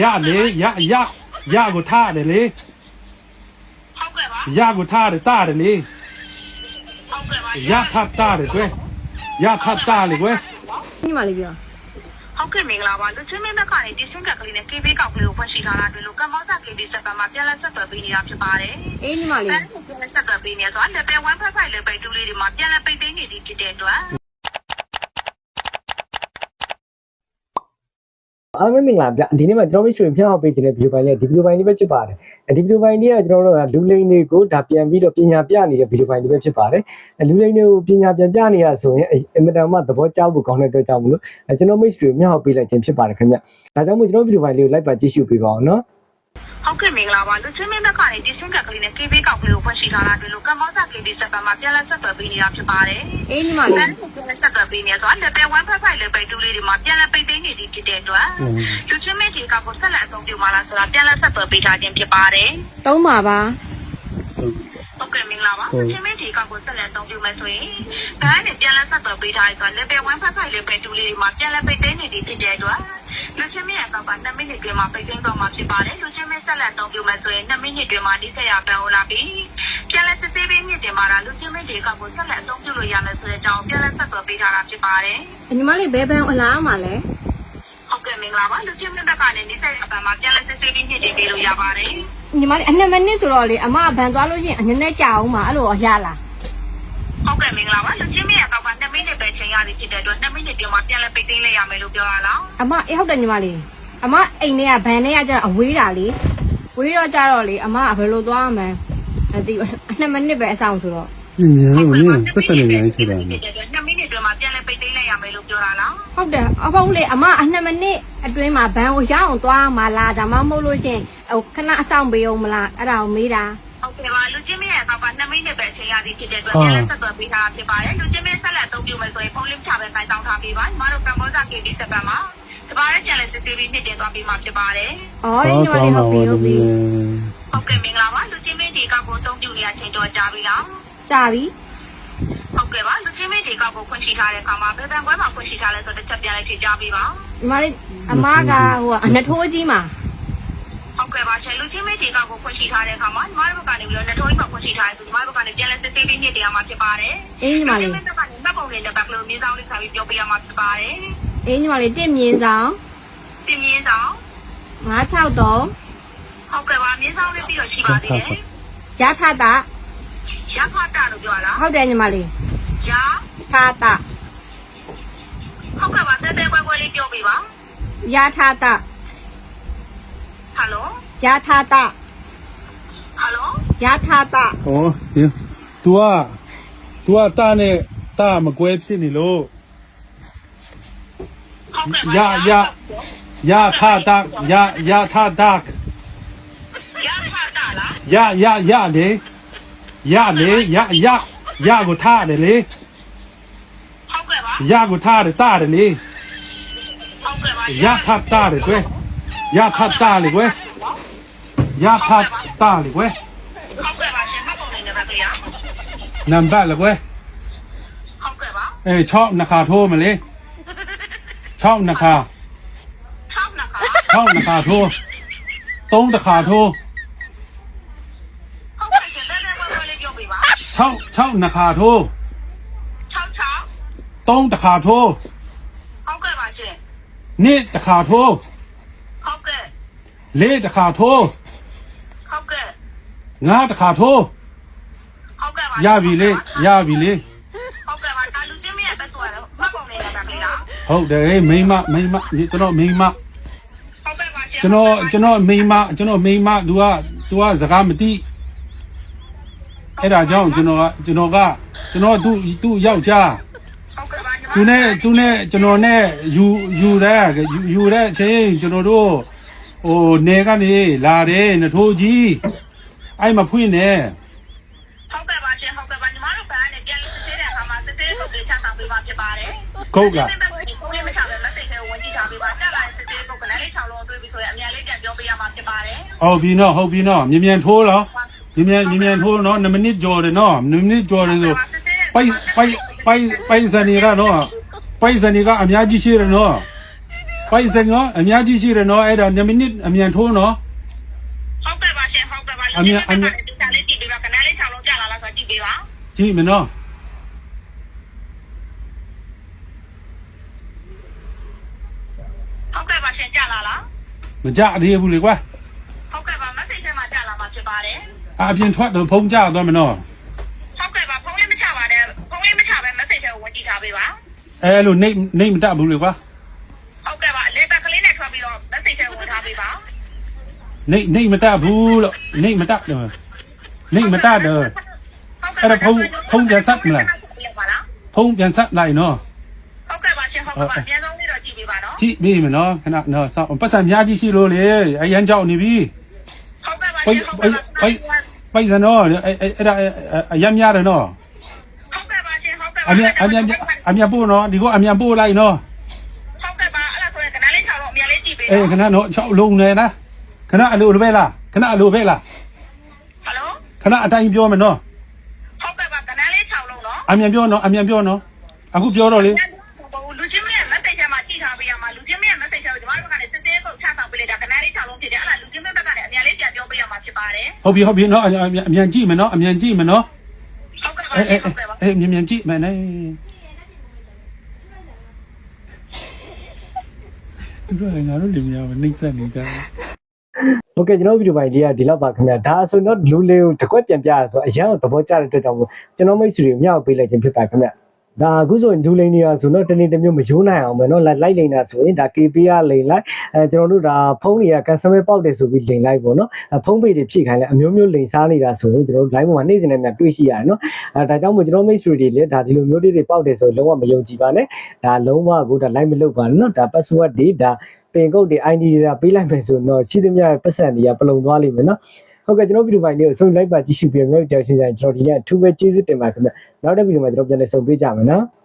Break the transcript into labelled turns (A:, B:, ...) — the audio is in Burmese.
A: ရလေရကိုထားတယ်လေ
B: ဟုတ်ကဲ့ပါ
A: ရကိုထားတယ်တားတယ်လေ
B: ဟုတ်ကဲ့ပါ
A: ရထတားတယ်ကွယ်ရထတားလေကွယ်
C: ညီမလေးပြော
B: ဟုတ်ကဲ့မင်္ဂလာပါလူချင်းမင်းဘက်ကနေဒီစင်ကကလေးနဲ့ KB ကောက်ကလေးကိုဖွင့်ရှိထားတာတွေ့လို့ကမ္ဘောဇာ KB စက်ပတ်မှာပြန်လက်ဆက်သွယ်ပေးနေတာဖြစ်ပါတယ်
C: အေးညီမလေး
B: ပြန်လက်ဆက်သွယ်ပေးနေဆိုတော့ level 1 5 5 level 2လေးတွေမှာပြန်လက်ပိတ်သိမ်းနေသည်ဖြစ်တဲ့အတွက်
D: အားလုံးမင်္ဂလာဗျဒီနေ့မှာကျွန်တော်တို့ရွှေဖြောင်းအောင်ပေးခြင်းတဲ့ဗီဒီယိုပိုင်းလေးဒီဗီဒီယိုပိုင်းလေးပဲဖြစ်ပါတယ်ဒီဗီဒီယိုပိုင်းလေးကကျွန်တော်တို့ကလူလိန်တွေကိုဒါပြန်ပြီးတော့ပညာပြနေတဲ့ဗီဒီယိုပိုင်းလေးပဲဖြစ်ပါတယ်လူလိန်တွေကိုပညာပြန်ပြနေရဆိုရင်အင်မတန်မှသဘောကျဖို့ကောင်းတဲ့အတွက်ကြောင့်မလို့ကျွန်တော်မိတ်ဆွေမျှောက်ပေးလိုက်ခြင်းဖြစ်ပါတယ်ခင်ဗျဒါကြောင့်မို့ကျွန်တော်ဗီဒီယိုပိုင်းလေးကိုလိုက်ပါကြည့်ရှုပေးပါအောင်နော်
B: ဟုတ်ကဲ့မင်္ဂလာပါလူချင်းမင်းဘက်ကနေဒီစင်ကကလေးနဲ့ KB ကောက်ကလေးကိုဖွင့်ရှိထားတာတွေ့လို့ကမ္ဘောဇာ KB စက်ပတ်မှာပြန်လက်ဆက်သွယ်ပေးနေတာဖြစ်ပါတယ်
C: အေးညီမလေး
B: ပြန်လက်ဆက်သွယ်ပေးနေဆိုတော့ level 1 5 5 level 2လေးတွေမှာပြန်လက်ပိတ်သိမ်းနေသည်ဖြစ်တဲ့အတွက်လူချင်းမင်းဒီကောက်ကိုဆက်လက်အသုံးပြုမှာလားဆိုတာပြန်လက်ဆက်သွယ်ပေးထားခြင်းဖြစ်ပါတယ်
C: တုံးပါပါ
B: ဟုတ်ကဲ့မင်္ဂလာပါလူချင်းမင်းဒီကောက်ကိုဆက်လက်အသုံးပြုမယ်ဆိုရင်ဒါနဲ့ပြန်လက်ဆက်သွယ်ပေးထားရဆို level 1 5 5 level 2လေးတွေမှာပြန်လက်ပိတ်သိမ်းနေသည်ဖြစ်တဲ့အတွက်လူချင်းမင်းရဲ့ကောက်က2မိနစ်အတွင်းမှာပိတ်သိမ်းတော့မှာဖြစ်ပါတယ်လူချင်းမင်းဆက်လက်အသုံးပြုမယ်ဆိုရင်2မိနစ်အတွင်းမှာဒီဆက်ရပန်ဟောလာပြီးပြန်လက်စစ်သေးပေးမြင့်တင်ပါတာလူချင်းမင်းဒီကောက်ကိုဆက်လက်အသုံးပြုလို့ရမယ်ဆိုတဲ့အကြောင်းပြန်လက်ဆက်သွယ်ပေးထားတာဖြစ်ပါတယ်
C: ညီမလေးဘယ်ဘန်အလားမှာလဲ
B: ဟုတ်ကဲ့မင်္ဂလာပါလူချင်းမင်းဘက်ကနေဒီဆက်ရပန်မှာပြန်လက်စစ်သေးပေးမြင့်တင်ပေးလို့ရပါတယ်
C: ညီမလေးအနှစ်မိနစ်ဆိုတော့လေအမဘန်သွားလို့ရှိရင်အနည်းနဲ့ကြာအောင်ပါအဲ့လိုရလား
B: ဟုတ်ကဲ့မင်္ဂလာပါလူချင်းမရဲ့ကောက်က2မိနစ်ပဲချိန်ရသည်ဖြစ်တဲ့အတွက်2မိနစ်ပြင်မှာပြန်လဲပိတ်သိမ်းလိုက်ရမယ်လို့ပြောရလား
C: အမအေးဟုတ်တယ်ညီမလေးအမအိမ်ထဲကဘန်ထဲကကျတော့အဝေးတာလေဝေးတော့ကြတော့လေအမကဘယ်လိုသွားမှန်းအသိ2မိနစ်ပဲအဆောင်ဆိုတော့
A: မြန်လို့မြန်ပတ်စံနေနေရှိတာ
B: 2မိနစ်အတွင်းမှာပြန်လဲပိတ်သိမ်းလိုက်ရမယ်လို့ပြောရလား
C: ဟုတ်တယ်အဖေလေအမ2မိနစ်အတွင်းမှာဘန်ကိုရအောင်သွားမှလားဒါမှမဟုတ်လို့ရှင်ဟိုခဏအဆောင်ပေးအောင်မလားအဲ့ဒါကိုမေးတာ
B: ဟုတ်ကဲ့ပါလူချင်းမရဲ့ကောက်က2မိနစ်ပဲချိန်ရသည်ဖြစ်တဲ့အတွက်ပြန်လဲဆက်သွယ်ပေးထားဖြစ်ပါတယ်လူချင်းမဆက်လက်အသုံးပြုမယ်ဆိုရင်ဖုန်းလင်းချပဲစိုက်တောင်းထားပေးပါညီမတို့ကမ္ဘောဇာ KB စက်ပတ်မှာတပါးရဲ့ကျန်တဲ့စစ်သေးလေးနှစ်တင်သွားပေးမှာဖြစ်ပါတယ်
C: ။အော်ညီမလေးဟုတ်ပြီဟုတ်ပြီ
B: ။ဟုတ်ကဲ့မင်္ဂလာပါလူချင်းမဒီကောက်ကိုအသုံးပြုနေရချိန်တော့ကြာပြီလား
C: ။ကြာပြီ
B: ။ဟုတ်ကဲ့ပါလူချင်းမဒီကောက်ကိုဖွင့်ရှိထားတဲ့အခါမှာဘယ်ဘန်ကွဲမှာဖွင့်ရှိထားလဲဆိုတော့တစ်ချက်ပြန်လိုက်ဖြေကြပေးပါ
C: ။ညီမလေးအမကဟိုအနထိုးကြီးမှာ
B: ဟုတ်ကဲ့ပါရှင်လူချင်းမဒီကောက်ကိုဖွင့်ရှိထားတဲ့အခါမှာညီမတို့ဘက်ကနေပြီးတော့နထိုးကြီးမှာဖွင့်ရှိထားတယ်ဆိုညီမတို့ဘက်ကနေပြန်လဲစစ်သေးလေးနှစ်တင်ရမှာဖြစ်ပါတယ်
C: ။အေးညီမလေး
B: ။ဒီဘက်ကနေမှတ်ပုံလေးနဲ့ဘက်ကလေးမြေဆောင်လေးခါပြီးပြောပြရမှာဖြစ်ပါတယ်
C: ။အေးညီမလေး1မြင်းဆောင်
B: တင်မြင့်ဆောင်
C: 963
B: ဟုတ်ကဲ့ပါမြင်းဆောင်လေးပြီးတော့ရှိပါသေးတယ်
C: ရထတာ
B: ရဖတာလို့ပြောလား
C: ဟုတ်တယ်ညီမလေး
B: ရ
C: ထတာ
B: ဟုတ်ကဲ့ပါတဲတဲကွဲလေးပြောပြပါ
C: ရထတာ
B: ဟယ်လို
C: ရထတာ
B: ဟယ်လို
C: ရထတာ
A: ဟောဒီ तू တာနဲ့တာမကွဲဖြစ်နေလို့ရထတာရထတာ
B: ရဖတာလား
A: လေရလေရကိုထားတယ်လေ
B: ဟုတ်ကဲ့ပါ
A: ရကိုထားတယ်တားတယ်လေ
B: ဟုတ်ကဲ့ပါ
A: ရထတာလေကွယ်ရထတာလေကွယ်ရထတာလေကွယ်
B: ဟုတ်ကဲ့ပါရှင်မှတ်ပုံလေးနဲ့ပါဗျာ
A: နံပါတ်လေကွယ်
B: ဟုတ်ကဲ့ပါ
A: ချောက်နှခါထိုးမလေးချောက်နှခါ6 နှခါထိုး3 တခါထိုး
B: ဟုတ်ကဲ့ရှင်တဲတဲကွဲလေးပြောပြပါ
A: 6 နှခါထိုး3 တခါထိုး
B: ဟုတ်ကဲ့ပါရှင်
A: 2 တခါထိုး
B: ဟုတ်ကဲ့
A: 4 တခါထိုး
B: ဟုတ်ကဲ့
A: 5 တခါထိုး
B: ဟုတ်ကဲ့ပါ
A: ရပြီလေ
B: ဟုတ်ကဲ့ပါဒါလူချင်းမရဲ့ပဲဆိုရတော့မှတ်ပုံလေးနဲ့ပါဗျာ
A: ဟုတ်တယ်မိမကျွန်တော်မိမကျွန်တော်မိမသူကစကားမသိအဲ့ဒါကြောင့်ကျွန်တော်သူ့ယောက်ျားသူနဲ့ကျွန်တော်နဲ့ယူတဲ့အချိန်ကျွန်တော်တို့ဟိုနေကနေလာတယ်နထိုးကြီးအဲ့မဖွင့်နဲ့
B: ဟုတ်ကဲ့ပါရှင်ဟုတ်ကဲ့ပါညီမတို့ဘာနဲ့ပြန်လို့စစ်သေးတဲ့အခါမှာစစ်သေးပုတ်လေးချဆောင်ပေးပါဖြစ်ပါတယ်
A: ဟုတ်ကဲ့
B: ကိုလေးမချပဲမစိတ်ခဲဝင်ကြည့်ထားပေးပါတက်လာစစ်သေးပုတ်ကလည်း6လုံးတွေးပြီးဆိုရင်အများလေးပြန်ပြောပေးရမှာဖြစ်ပါတယ်
A: ဟုတ်ပြီနော်မြန်ထိုးလားမြန်ထိုးနော်2မိနစ်ကြော်တယ်နော်2မိနစ်ကြော်တယ်ဆိုပိုက်စနေရနော်ပိုက်စနေကအများကြီးရှိတယ်နော်ပိုက်စံရောအများကြီးရှိတယ်နော်အဲ့ဒါ2မိနစ်အမြန်ထိုးနော်
B: ဟုတ်ကဲ့ပါရှင်ဟုတ်ကဲ့ပါဒီစာလေးကြည့်ပေးပါကနန်းလေး6လုံးကြာလာလားဆိုကြည့်ပေးပါ
A: ကြည့်မနော်
B: ဟုတ်ကဲ့ပါရှင်ကြာလာလား
A: မကြသေးဘူးလေကွာ
B: ဟုတ်ကဲ့ပါ message ထဲမှာကြာလာမှာဖြစ်ပါတယ်
A: အပြင်ထွက်တော့ဖုံးကြသွားမနော်
B: ဟုတ်ကဲ့ပါဖုန်းလေးမချပါနဲ့ဖုန်းလေးမချပဲ message ထဲကိုဝင်ကြည့်ထားပေးပါ
A: အဲလိုနေမတတ်ဘူးလေကွာ
B: ဟုတ်ကဲ့ပါလေကလေးနဲ့ထွက်ပြီးတော့ message ထဲဝင်ထားပေးပါ
A: နေမတတ်ဘူးလို့နေမတတ်တော့နေမတတ်တော့အဲ့ဒါဖုံးပြန်ဆက်မလားဖုံးပြန်ဆက်လိုက်နော်
B: ဟုတ်ကဲ့ပါရှင်ဟုတ်ကဲ့ပါပြန်ဆုံးလေးတော့ကြည့်ပေးပါနော်
A: ကြည့်ပြီမနော်ခဏနော်စောင့်ပတ်စံများကြီးရှိလို့လေအရန်ကြောက်နေပြီ
B: ဟုတ်ကဲ့ပါရှင်ဟုတ်ကဲ့ပါ
A: ပိုက်စံနော်အဲ့ဒါအရန်များတယ်နော်
B: ဟုတ်ကဲ့ပါရှင်ဟုတ်ကဲ့ပါ
A: အမြန်ပို့နော်ဒီကအမြန်ပို့လိုက်နော်
B: ဟုတ်ကဲ့ပါအဲ့ဒါဆိုရင်ကနန်းလေး6လုံးအမြန်လေးကြည့်ပေး
A: အေးခဏနော်6လုံးနေလားခဏအလိုပဲလားခဏအလိုပဲလား
B: ဟယ်လို
A: ခဏအတိုင်းပြောမယ်နော်
B: ဟုတ်ကဲ့ပါကနန်းလေး6လုံးနော်
A: အမြန်ပြောနော်အမြန်ပြောနော်အခုပြောတော့လေ
B: လူချင်းမရဲ့ message ထဲမှာကြည့်ထားပေးရမှာလူချင်းမရဲ့ message ထဲကိုကျွန်တော်တို့ကလည်းစစ်သေးပုတ်ချဆောင်ပေးလိုက်တာကနန်းလေး6လုံးဖြစ်တယ်အဲ့ဒါလူချင်းမဘက်ကလည်းအမြန်လေးပြန်ပြောပေးရမှာဖြစ်ပါတယ်
A: ဟုတ်ပြီနော်အမြန်ကြည့်မယ်နော်အမြန်ကြည့်မယ်နော်
B: ဟုတ်ကဲ့ပါ
A: အေး
B: ဟုတ်ကဲ့ပါ
A: အေးမြန်ကြည့်မယ်နဲ့ဒီငါတို့လင်မြောင်နှိမ့်ဆက်နေကြတယ်
D: ဟုတ်ကဲ့ကျွန်တော်ဗီဒီယိုပိုင်းဒီလောက်ပါခင်ဗျာဒါဆိုတော့လူလေးကိုတစ်ခွက်ပြန်ပြရဆိုအရန်ကိုသဘောကျတဲ့အတွက်ကြောင့်ကျွန်တော်မိတ်ဆွေတွေမြောက်ပေးလိုက်ခြင်းဖြစ်ပါခင်ဗျာဒါအခုဆိုရင်လူလိန်နေရဆိုတော့တနေ့တစ်မျိုးမယိုးနိုင်အောင်ပဲเนาะလိုက်လိန်တာဆိုရင်ဒါ KP ကလိန်လိုက်ကျွန်တော်တို့ဒါဖုန်းတွေက customer ပေါက်တယ်ဆိုပြီးလိန်လိုက်ပေါ့เนาะဖုန်းပေတွေဖြည့်ခိုင်းလိုက်အမျိုးမျိုးလိန်စားနေတာဆိုရင်ကျွန်တော်တို့ line ပေါ်မှာနေ့စဉ်နဲ့များတွေ့ရှိရတယ်เนาะဒါကြောင့်မို့ကျွန်တော်မိတ်ဆွေတွေလည်းဒါဒီလိုမျိုးတွေပေါက်တယ်ဆိုလုံးဝမယုံကြည်ပါနဲ့ဒါလုံးဝကိုဒါ line မလုပ်ပါနဲ့เนาะဒါ password တွေဒါပင်ကုတ်တွေ ID တွေပေးလိုက်မယ်ဆိုတော့ရှိသမျှပတ်စံတွေကပလုံသွားလိမ့်မယ်เนาะဟုတ်ကဲ့ကျွန်တော်ဗီဒီယိုပိုင်းလေးကိုဆုံးလိုက်ပါကြည့်ရှုပြီးတော့မျိုးတောက်ရှင်းဆိုင်ကျွန်တော်ဒီနေ့အထူးပဲကျေးဇူးတင်ပါခင်ဗျနောက်တဲ့ဗီဒီယိုမှာကျွန်တော်ပြန်လည်ဆုံပေးကြမယ်နော်